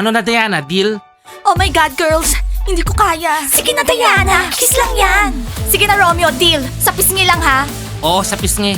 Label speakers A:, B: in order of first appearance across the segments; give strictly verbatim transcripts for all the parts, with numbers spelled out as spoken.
A: Ano na Diana, deal?
B: Oh my God, girls! Hindi ko kaya. Sige na, Diana. Kiss lang yan. Sige na, Romeo. Deal. Sa pisngi lang, ha?
A: Oo, sa pisngi.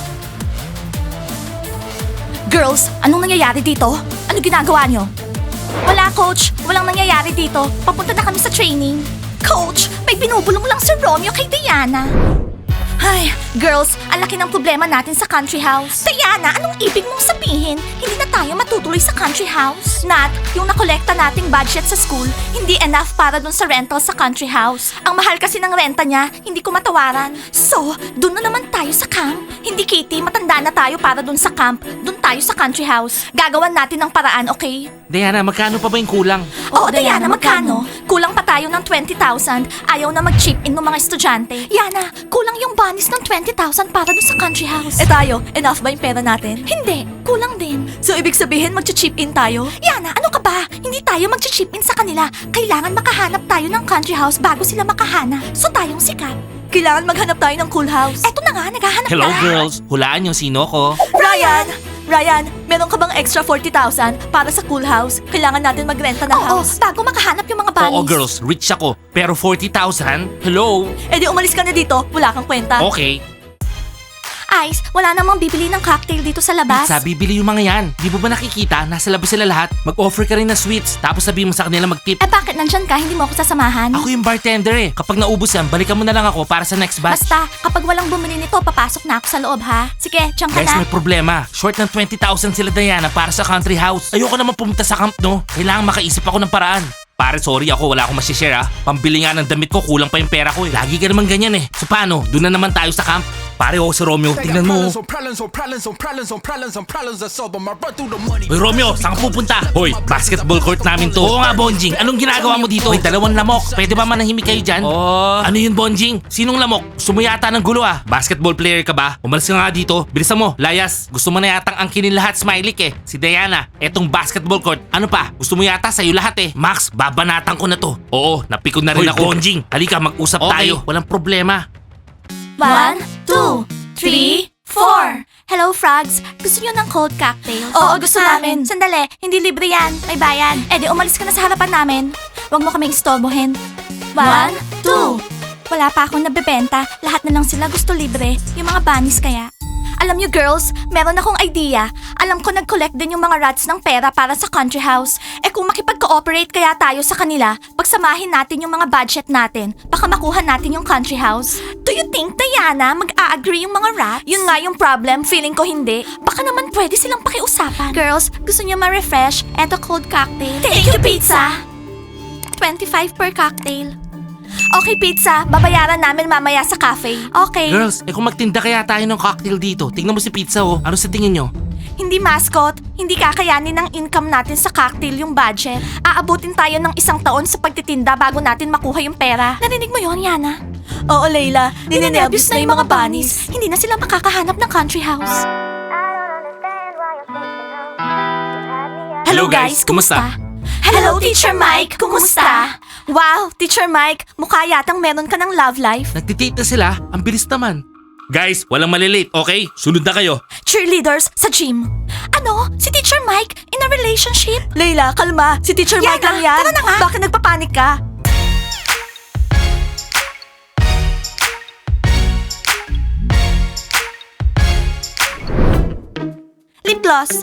B: Girls, anong nangyayari dito? Ano ginagawa nyo? Wala, Coach. Walang nangyayari dito. Papunta na kami sa training. Coach, may binubulong lang si Romeo kay Diana. Ay, girls, ang laki ng problema natin sa country house. Diana, anong ibig mong sabihin? Hindi na tayo matutuloy sa country house? Nat, yung nakolekta nating budget sa school, hindi enough para dun sa rental sa country house. Ang mahal kasi ng renta niya, hindi ko matawaran. So, dun na naman tayo sa camp. Hindi, Kitty, matanda na tayo para dun sa camp. Dun tayo sa country house. Gagawan natin ng paraan, okay?
A: Diana, magkano pa ba yung kulang?
B: Oo, Diana, magkano? Kulang pa tayo ng twenty thousand. Ayaw na mag-chip in ng mga estudyante. Yana, kulang yung banis ng twenty thousand para dun sa country house. Eh tayo, enough ba yung pera natin? Hindi, kulang din. So ibig sabihin mag-chip in tayo? Yana, ano ka ba? Hindi tayo mag-chip in sa kanila. Kailangan makahanap tayo ng country house bago sila makahanap. So tayong sikat. Kailangan maghanap tayo ng cool house. Eto na nga, naghahanap
A: Hello
B: na.
A: girls, hulaan yung sino ko.
B: Ryan! Ryan, meron ka bang extra forty thousand para sa cool house? Kailangan natin magrenta ng house. Oo, bago makahanap yung mga bunnies.
A: Oo girls, rich ako. Pero forty thousand? Hello?
B: Eh di umalis ka na dito, wala kang kwenta.
A: Okay.
B: Ice, wala namang bibili ng cocktail dito sa labas.
A: Pizza, bibili yung mga yan. Di mo ba nakikita? Nasa labas sila lahat. Mag-offer ka rin ng sweets. Tapos sabihin mo sa kanila mag-tip.
B: Eh bakit nandyan ka? Hindi mo ako sasamahan?
A: Ako yung bartender eh. Kapag naubos yan, balikan mo na lang ako para sa next batch.
B: Basta, kapag walang bumili nito, papasok na ako sa loob ha. Sige, diyan ka
A: Guys,
B: na.
A: may problema. Short ng twenty thousand sila Diana para sa country house. Ayoko naman pumunta sa camp, no? Kailangan makaisip ako ng paraan. Pare, sorry ako, wala akong masishare ah. Pambili nga ng damit ko, kulang pa yung pera ko eh. Lagi ka naman ganyan eh. So paano? Doon na naman tayo sa camp. Pare, oh, si Romeo, tingnan mo. Hoy Romeo, saan ka pupunta? Hoy, basketball court namin to. Oo nga, Bonjing. Anong ginagawa mo dito? May dalawang lamok. Pwede ba manahimik kayo dyan? Oh. Ano yun, Bonjing? Sinong lamok? Sumuyata ng gulo ah. Basketball player ka ba? Umalis ka nga dito. Bilisan mo, Layas. Gusto mo na yatang angkinin lahat, Smiley eh. Si Diana, etong basketball court. Ano pa? Gusto mo yata sa'yo lahat eh. Max, babanatan ko na to. Oo, napikon na rin
C: Hoy,
A: ako. Bonjing, halika, mag-usap
C: Okay.
A: tayo. Walang problema.
B: One, two, three, four. Hello, frogs. Gusto niyo ng cold cocktail? Oo, gusto namin. Sandali, hindi libre yan. May bayan. Eh di umalis ka na sa harapan namin. Huwag mo kaming istorbohin. One, two. Wala pa akong nabebenta. Lahat na lang sila gusto libre. Yung mga bunnies kaya. Alam niyo girls, meron akong idea. Alam ko nag-collect din yung mga rats ng pera para sa country house. Eh kung makipag-cooperate kaya tayo sa kanila, pagsamahin natin yung mga budget natin, baka makuha natin yung country house. Do you think, Diana, mag-a-agree yung mga rats? Yun nga yung problem, feeling ko hindi. Baka naman pwede silang pakiusapan. Girls, gusto niyo ma-refresh? Eto cold cocktail. Thank, you, pizza! twenty-five per cocktail. Okay, pizza. Babayaran namin mamaya sa cafe. Okay.
A: Girls, eh kung magtinda kaya tayo ng cocktail dito. Tingnan mo si Pizza oh. Ano sa tingin nyo?
B: Hindi mascot, hindi kakayanin ng income natin sa cocktail yung budget. Aabutin tayo ng isang taon sa pagtitinda bago natin makuha yung pera. Narinig mo yon, Yana? Oo, Layla. Ninenervyos na yung mga bunnies. Hindi na sila makakahanap ng country house.
A: Hello, guys. Kumusta?
B: Hello, Teacher Mike. Kumusta? Wow, Teacher Mike, mukha yatang meron ka ng love life.
A: Nagtitita sila. Ang bilis naman. Guys, walang malilate, okay? Sunod na kayo.
B: Cheerleaders sa gym. Ano? Si Teacher Mike in a relationship? Layla, kalma. Si Teacher Mike lang yan. Tara na nga. Bakit nagpapanik ka? Lip gloss.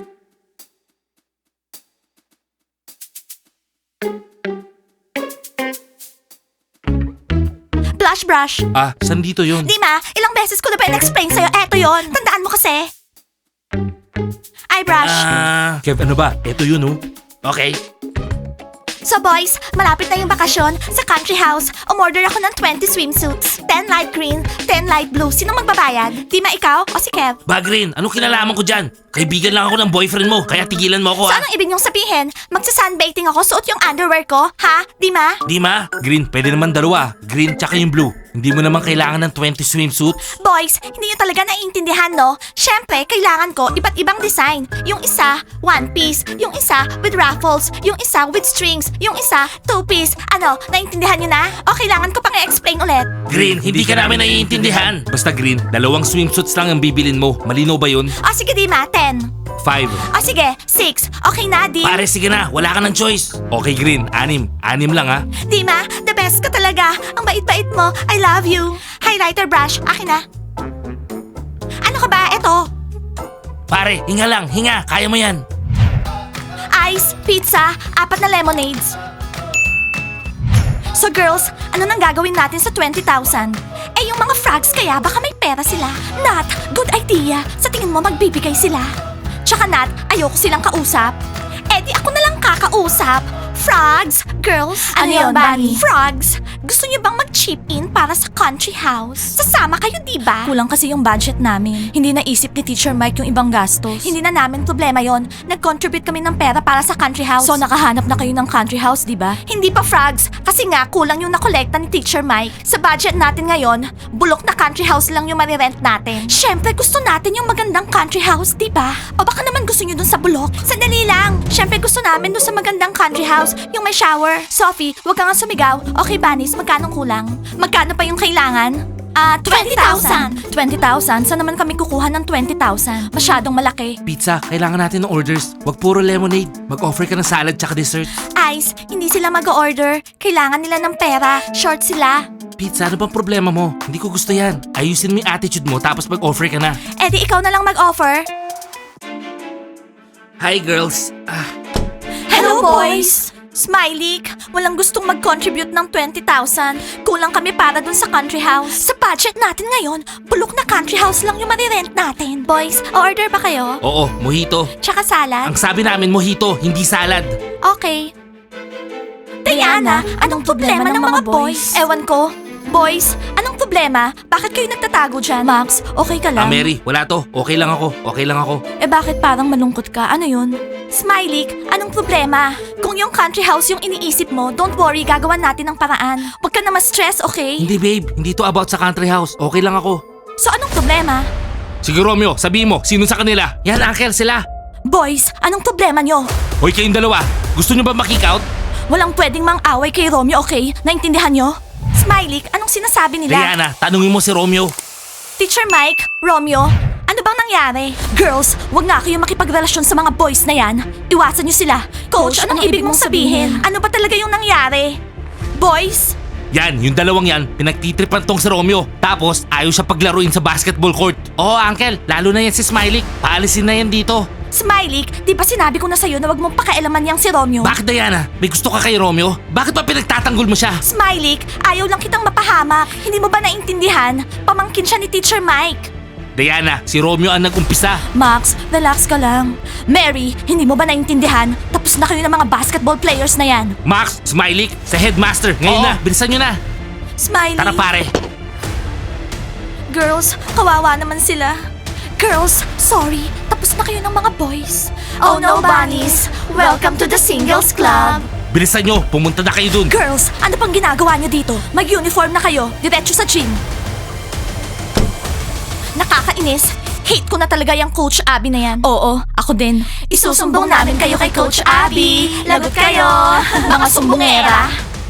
B: Blush brush.
A: Ah, saan dito yun?
B: Di ma, ilang beses ko na ba in-explain sa'yo? Eto yon. Tandaan mo kasi. Eyebrush.
A: Ah, Kev, ano ba? Ito yun oh. Okay.
B: So boys, malapit na yung bakasyon sa country house. Umorder ako ng twenty swimsuits. ten light green, ten light blue. Sinong magbabayad? Di ma ikaw o si Kev?
A: Bagrin, anong kinalaman ko dyan? Kaibigan lang ako ng boyfriend mo, kaya tigilan mo ako
B: So
A: ah.
B: anong ibig niyong sabihin? Magsa-sunbathing ako, suot yung underwear ko? Ha? Di ma?
A: Di ma? Green, pwede naman dalawa. Green tsaka yung blue. Hindi mo naman kailangan ng twenty swimsuits.
B: Boys, hindi niyo talaga naiintindihan, no? Syempre, kailangan ko iba't ibang design. Yung isa, one piece. Yung isa, with ruffles. Yung isa, with strings. Yung isa, two piece. Ano, naiintindihan niyo na? O kailangan ko pang i-explain ulit?
A: Green, hindi ka namin naiintindihan. Basta Green, dalawang swimsuits lang ang bibilin mo. Malinaw ba yun?
B: O sige, di ma, ten.
A: five.
B: O sige, six. Okay na, deal?
A: Pare, sige na. Wala ka ng choice. Okay, Green. Anim. Anim lang, ha?
B: Dima, the best ka talaga. Ang bait-bait mo. I love you. Highlighter brush, akin na. Ano ka ba? Eto.
A: Pare, hinga lang. Hinga. Kaya mo yan.
B: Ice, pizza, apat na lemonades. So girls, ano nang gagawin natin sa twenty thousand? Eh yung mga frogs kaya baka may pera sila. Nat, good idea. Sa tingin mo magbibigay sila. Tsaka Nat, ayoko silang kausap. Eh di ako na lang kakausap. Frogs, girls,
C: Ano yun, Bunny?
B: Frogs, gusto niyo bang mag-chip in para sa country house? Sasama kayo, di ba?
C: Kulang kasi yung budget namin. Hindi naisip ni Teacher Mike yung ibang gastos.
B: Hindi na namin problema yon. Nag-contribute kami ng pera para sa country house.
C: So nakahanap na kayo ng country house, di ba?
B: Hindi pa, Frogs. Kasi nga, kulang yung nakolekta ni Teacher Mike. Sa budget natin ngayon, bulok na country house lang yung marirent natin. Siyempre, gusto natin yung magandang country house, di ba? O baka naman gusto nyo dun sa bulok? Sandali lang. Siyempre, gusto namin dun sa magandang country house, yung may shower. Sophie, huwag ka nga sumigaw. Okay, Banis, magkano kulang? Magkano pa yung kailangan? Ah, twenty thousand.
C: twenty thousand? Saan naman kami kukuha ng twenty thousand? Masyadong malaki.
A: Pizza, kailangan natin ng orders. Wag puro lemonade. Mag-offer ka ng salad tsaka dessert.
B: Ice, hindi sila mag-order. Kailangan nila ng pera. Short sila.
A: Pizza, ano bang problema mo? Hindi ko gusto yan. Ayusin mo yung attitude mo tapos mag-offer ka na.
B: Eh di ikaw na lang mag-offer.
A: Hi, girls. Ah,
B: Hello, boys! Smiley, walang gustong mag-contribute ng twenty thousand. Kulang kami para dun sa country house. Sa budget natin ngayon, bulok na country house lang yung marirent natin. Boys, order ba kayo?
A: oo, mojito.
B: Tsaka salad?
A: Ang sabi namin, mojito, hindi salad.
B: Okay. Diana, anong problema ng mga boys? Ewan ko. Boys, anong problema? Bakit kayo nagtatago dyan?
C: Max, okay ka
A: Ah,
C: lang?
A: Mary, wala to. Okay lang ako. Okay lang ako.
C: Eh bakit parang malungkot ka? Ano yun?
B: Smiley, anong problema? Kung yung country house yung iniisip mo, don't worry, gagawan natin ng paraan. Huwag ka na ma-stress, okay?
A: Hindi, babe. Hindi to about sa country house. Okay lang ako.
B: So anong problema?
A: Sige, Romeo, sabihin mo, sino sa kanila? Yan, uncle, sila.
B: Boys, anong problema nyo?
A: Hoy, kayong dalawa. Gusto nyo ba makick out?
B: Walang pwedeng mang-away kay Romeo, okay? Naintindihan nyo? Smiley, anong sinasabi nila?
A: Diana, tanungin mo si Romeo.
B: Teacher Mike, Romeo, ano bang nangyari? Girls, wag nga kayo makipagrelasyon sa mga boys na yan. Iwasan nyo sila. Coach, anong, ibig mong sabihin? Ano ba talaga yung nangyari? Boys?
A: Yan, yung dalawang yan, pinagtitripan tong si Romeo. Tapos, ayaw siya paglaruin sa basketball court. Oo, uncle, lalo na yan si Smiley. Paalisin na yan dito.
B: Smiley, di ba sinabi ko na sa'yo na wag mong pakialaman yang si Romeo?
A: Bakit, Diana? May gusto ka kay Romeo? Bakit ba pinagtatanggol mo siya?
B: Smiley, ayaw lang kitang mapahamak. Hindi mo ba naintindihan? Pamangkin siya ni Teacher Mike.
A: Diana, si Romeo ang nag-umpisa.
C: Max, relax ka lang.
B: Mary, hindi mo ba naintindihan? Tapos na kayo ng mga basketball players na yan.
A: Max, Smiley, sa headmaster. Ngayon
B: Oo.
A: na, bilisan nyo na.
B: Smiley.
A: Tara pare.
B: Girls, kawawa naman sila. Girls, sorry. Tapos na kayo ng mga boys. Oh no, bunnies. Welcome to the Singles Club.
A: Bilisan nyo, pumunta na kayo dun.
B: Girls, ano pang ginagawa niyo dito? Mag-uniform na kayo. Diretso sa gym. Nakakainis. Hate ko na talaga yung Coach Abby na yan.
C: Oo, ako din.
B: Isusumbong namin kayo kay Coach Abby. Lagot kayo, mga sumbongera.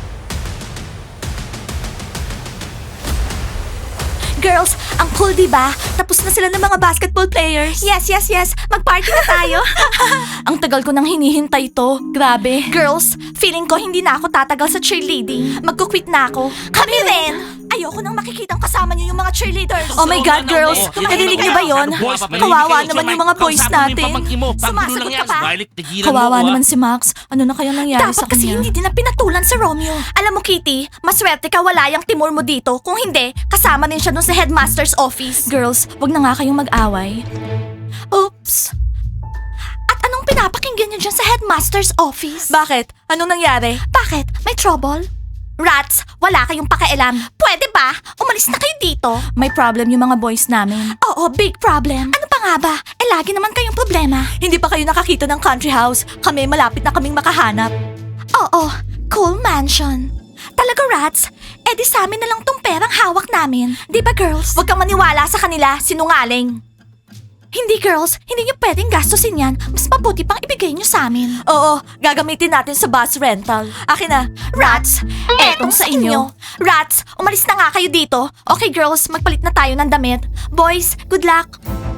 B: Girls, ang cool diba? Tapos na sila ng mga basketball players. Yes, yes, yes. Mag-party na tayo.
C: Ang tagal ko nang hinihintay to. Grabe.
B: Girls, feeling ko hindi na ako tatagal sa cheerleading. Magkukwit na ako. Kami rin! Ayoko nang makikitang kasama niyo yung mga cheerleaders.
C: Oh my God, girls!
A: Oo,
B: Narinig niyo ba yun?
A: Boys,
B: Kawawa
A: manahimik kayo.
B: naman
A: Si
B: yung
A: Mike,
B: mga boys
A: kausapin mo yung
B: natin.
A: pamangkin mo. Panggulo
B: Sumasagot
A: lang
B: ka
A: yan.
B: pa?
A: Violet, tigilan
C: Kawawa
A: mo, ah.
C: naman si Max. Ano na kaya nangyari sa
B: Dapat kasi
C: kanya?
B: hindi din na pinatulan sa Romeo. Alam mo, Kitty, maswerte ka wala yung Timur mo dito. Kung hindi, kasama din siya dun sa headmaster's office.
C: Girls, wag na nga kayong mag-away.
B: Oops. At anong pinapakinggan niyo dyan sa headmaster's office?
C: Bakit? Anong nangyari?
B: Bakit? May trouble? Rats, wala kayong pakialam. Pwede ba? Umalis na kayo dito.
C: May problem yung mga boys namin.
B: Oo, big problem. Ano pa nga ba? Eh, lagi naman kayong problema.
C: Hindi pa kayo nakakita ng country house. Kami malapit na kaming makahanap.
B: Oo, cool mansion. Talaga, Rats? Eh di sa amin na lang tong perang hawak namin. Di ba, girls? Huwag kang maniwala sa kanila, sinungaling. Hindi, girls. Hindi niyo pwedeng gastusin yan. Mas mabuti pang ibigay niyo sa amin.
C: Oo, gagamitin natin sa bus rental. Akin na.
B: Rats, etong sa inyo. Rats, umalis na nga kayo dito. Okay, girls, magpalit na tayo ng damit. Boys, good luck.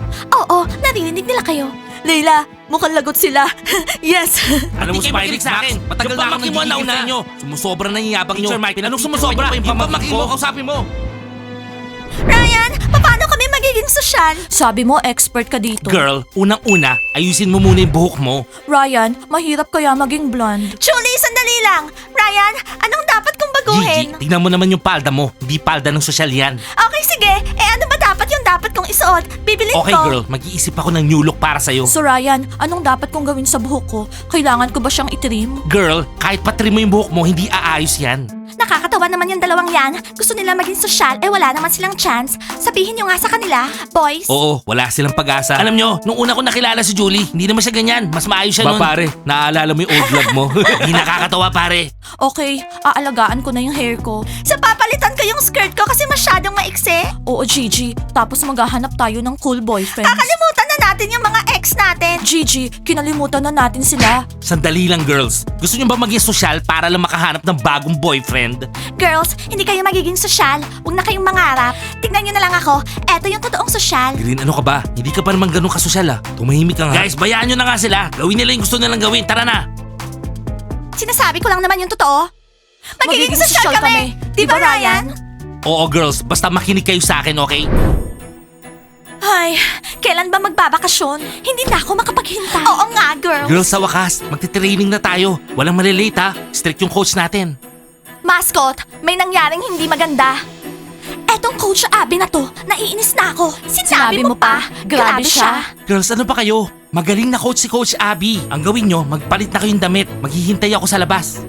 B: Oo, narinig nila kayo. Leila, mukhang lagot sila. Yes.
A: Alam mo,
D: Hindi kayo
A: Smiley,
D: makinig sa akin.
A: Matagal
D: Yung
A: na akong
D: pamangkin mo,
A: nagigigil
D: nauna.
A: sa inyo. Sumusobra na yung yabang nyo.
D: Teacher Mike,
A: Anong
D: tinutukoy
A: sumusobra?
D: niyo pa
A: Yung pamangkin mo,
D: ko.
A: kausapin mo.
B: Ryan, paano kami magiging sosyal?
C: Sabi mo, expert ka dito.
A: Girl, unang-una, ayusin mo muna yung buhok mo.
C: Ryan, mahirap kaya maging blonde.
B: Julie, sandali lang. Ryan, anong dapat kong baguhin?
A: Gigi, tingnan mo naman yung palda mo. Hindi palda ng sosyal yan.
B: Okay, sige. Eh ano ba dapat yung dapat kong isuot? Bibilin
A: Okay
B: ko.
A: girl, mag-iisip ako ng new look para sa'yo.
C: So Ryan, anong dapat kong gawin sa buhok ko? Kailangan ko ba siyang itrim?
A: Girl, kahit patrim mo yung buhok mo, hindi aayos yan.
B: Nakakatawa naman yung dalawang yan. Gusto nila maging sosyal, eh wala naman silang chance. Sabihin nyo nga sa kanila, boys.
A: Oo, wala silang pag-asa. Alam nyo, nung una ko nakilala si Julie, hindi naman siya ganyan. Mas maayos siya
D: Ba,
A: nun.
D: pare,
A: naaalala mo yung old vlog mo? Hindi nakakatawa pare.
C: Okay, aalagaan ko na yung hair ko.
B: Sa papalitan ko yung skirt ko kasi masyadong maiksi.
C: Oo, Gigi. Tapos maghahanap tayo ng cool boyfriends.
B: Kakalimutan na natin yung mga ex natin.
C: Gigi, kinalimutan na natin sila.
A: Sandali lang girls. Gusto nyo ba maging sosyal para lang makahanap ng bagong boyfriend?
B: Girls, hindi kayo magiging sosyal. Huwag na kayong mangarap. Tignan nyo na lang ako. Eto yung totoong sosyal.
A: Green, ano ka ba? Hindi ka pa naman ganun kasosyal ah. Tumahimik ka nga. Guys, bayaan nyo na nga sila. Gawin nila yung gusto nilang gawin. Tara na.
B: Sinasabi ko lang naman yung totoo. Magiging, sosyal kami. Di ba, Ryan?
A: Oo girls, basta makinig kayo sa akin, okay?
B: Ay, kailan ba magbabakasyon? Hindi na ako makapaghintay. Oo nga, girls.
A: Girls, sa wakas, magti-training na tayo. Walang malilate ha. Strict yung coach natin.
B: Mascot, may nangyaring hindi maganda. Etong Coach Abby na to, naiinis na ako. Sinabi,
C: Sinabi mo pa, grabe siya.
A: Girls, ano pa kayo? Magaling na coach si Coach Abby. Ang gawin nyo, magpalit na kayong damit. Maghihintay ako sa labas.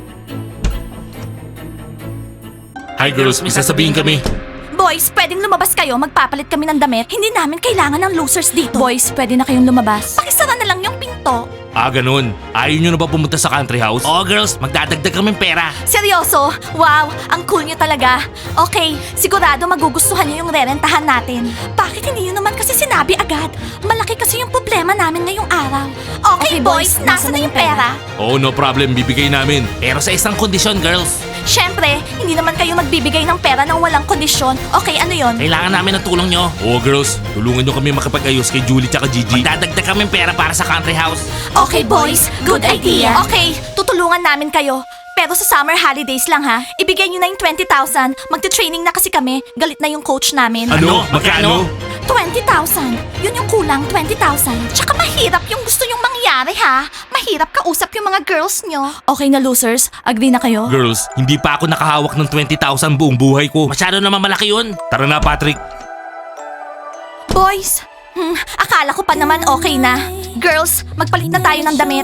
D: Hi girls, may sasabihin kami.
B: Boys, pwedeng lumabas kayo, magpapalit kami ng damit. Hindi namin kailangan ng losers dito.
C: Boys, pwede na kayong lumabas.
B: Pakisara na lang yung pinto.
A: Ah, ganun. Ayaw nyo na ba pumunta sa country house? Oo, girls. Magdadagdag kami pera.
B: Seryoso? Wow, ang cool nyo talaga. Okay, sigurado magugustuhan nyo yung rerentahan natin. Bakit hindi nyo naman kasi sinabi agad? Malaki kasi yung problema namin ngayong araw. Okay,
C: Okay,
B: boys,
C: boys,
B: nasa na yung pera?
D: Oh, no problem, bibigay namin.
A: Pero sa isang kondisyon, girls.
B: Siyempre, hindi naman kayo magbibigay ng pera ng walang kondisyon. Okay, ano yon?
A: Kailangan namin ng tulong nyo.
D: Oh girls, tulungan nyo kami makapag-ayos kay Julie tsaka Gigi.
A: Magdadagdag kami pera para sa country house.
B: Okay, boys. Good idea. Okay, tutulungan namin kayo. Pero sa summer holidays lang ha. Ibigay nyo na yung twenty thousand. Magte-training na kasi kami. Galit na yung coach namin.
D: Ano? Magkano?
B: twenty thousand. Yun yung kulang, twenty thousand. Tsaka mahirap yung gusto nyong mangyari ha. Mahirap kausap yung mga girls nyo.
C: Okay na losers, agree na kayo?
D: Girls, hindi pa ako nakahawak ng twenty thousand buong buhay ko.
A: Masyado naman malaki yun.
D: Tara na Patrick.
B: Boys, hmm, akala ko pa naman okay na. Girls, magpalit na tayo ng damit.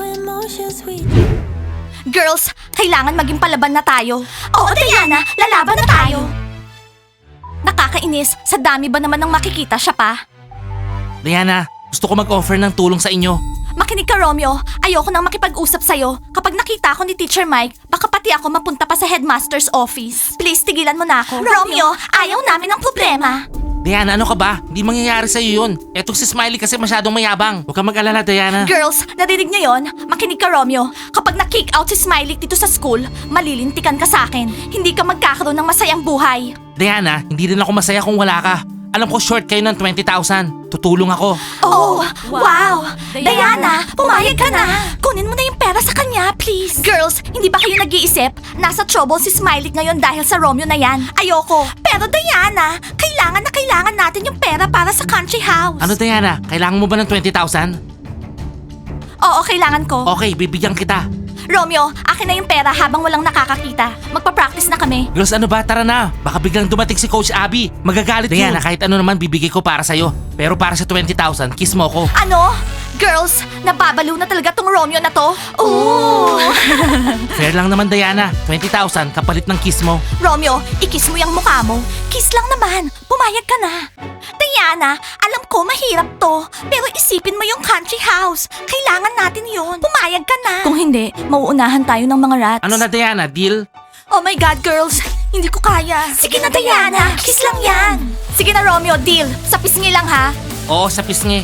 B: Girls, kailangan maging palaban na tayo. Oo, Diana, lalaban na tayo. Nakakainis, sa dami ba naman ng makikita siya pa?
A: Diana, gusto ko mag-offer ng tulong sa inyo.
B: Makinig ka, Romeo. Ayoko nang makipag-usap sa'yo. Kapag nakita ako ni Teacher Mike, baka pati ako mapunta pa sa headmaster's office. Please, tigilan mo na ako. Romeo, ayaw namin ng problema.
A: Diana, ano ka ba? Hindi mangyayari sa'yo yun. Etong si Smiley kasi masyadong mayabang. Huwag kang mag-alala, Diana.
B: Girls, narinig niyo yon? Makinig ka, Romeo. Kapag na-kick out si Smiley dito sa school, malilintikan ka sa akin. Hindi ka magkakaroon ng masayang buhay.
A: Diana, hindi rin ako masaya kung wala ka. Alam ko short kayo ng twenty thousand. Tutulong ako.
B: Oh, wow! Diana,
C: Diana,
B: pumayag ka na! Kunin mo na yung pera sa kanya, please! Girls, hindi ba kayo nag-iisip? Nasa trouble si Smiley ngayon dahil sa Romeo na yan. Ayoko. Pero Diana, kailangan na kailangan natin yung pera para sa country house.
A: Ano, Diana? Kailangan mo ba ng twenty thousand?
B: Oo, kailangan ko.
A: Okay, bibigyan kita.
B: Romeo, akin na yung pera habang walang nakakakita. Magpa-practice na kami.
A: Girls, ano ba? Tara na. Baka biglang dumating si Coach Abby. Magagalit Diana, kahit ano naman bibigay ko para sa'yo. Pero para sa twenty thousand, kiss mo ko.
B: Ano? Girls, nababalo na talaga tong Romeo na to. Ooh!
A: Fair lang naman, Diana. twenty thousand kapalit ng kiss mo.
B: Romeo, ikis mo yung mukha mo. Kiss lang naman. Pumayag ka na. Diana, alam ko mahirap to. Pero isipin mo yung country house. Kailangan natin yon. Pumayag ka na.
C: Kung hindi, mauunahan tayo ng mga rats.
A: Ano na, Diana? Deal?
B: Oh my God, girls. Hindi ko kaya. Sige na, Diana. Kiss lang yan. Sige na, Romeo. Deal. Sa pisngi lang, ha?
A: Oo, sa pisngi.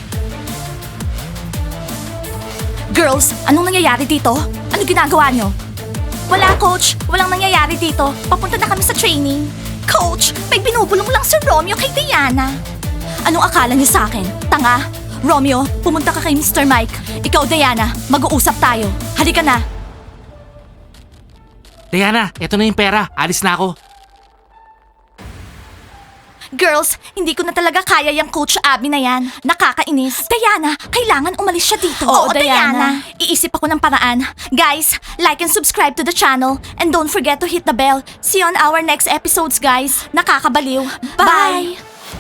B: Girls, anong nangyayari dito? Ano ginagawa nyo? Wala, Coach. Walang nangyayari dito. Papunta na kami sa training. Coach, may binubulong lang si Romeo kay Diana. Anong akala niyo sa akin? Tanga?
C: Romeo, pumunta ka kay Mister Mike. Ikaw, Diana, mag-uusap tayo. Halika na.
A: Diana, eto na yung pera. Alis na ako.
B: Girls, hindi ko na talaga kaya yung Coach Abby na yan. Nakakainis.
C: Diana, kailangan umalis siya dito.
B: Oo, Diana. Iisip ako ng paraan. Guys, like and subscribe to the channel. And don't forget to hit the bell. See you on our next episodes, guys. Nakakabaliw. Bye!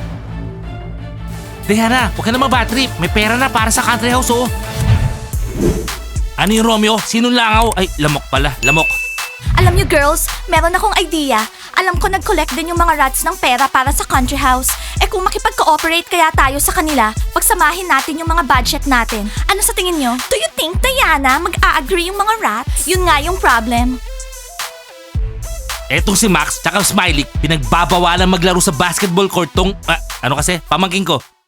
A: Diana, huwag ka na mag-bad trip. May pera na para sa country house, oh. Ano yung Romeo? Sinong langaw? Ay, lamok pala. Lamok.
B: Alam niyo girls, meron akong idea. Alam ko nag-collect din yung mga rats ng pera para sa country house. Eh kung makipag-cooperate kaya tayo sa kanila, pagsamahin natin yung mga budget natin. Ano sa tingin niyo? Do you think, Diana, mag-a-agree yung mga rats? Yun nga yung problem.
A: Etong si Max tsaka Smiley, pinagbabawalan maglaro sa basketball court tong... ah, ano kasi? Pamangking ko.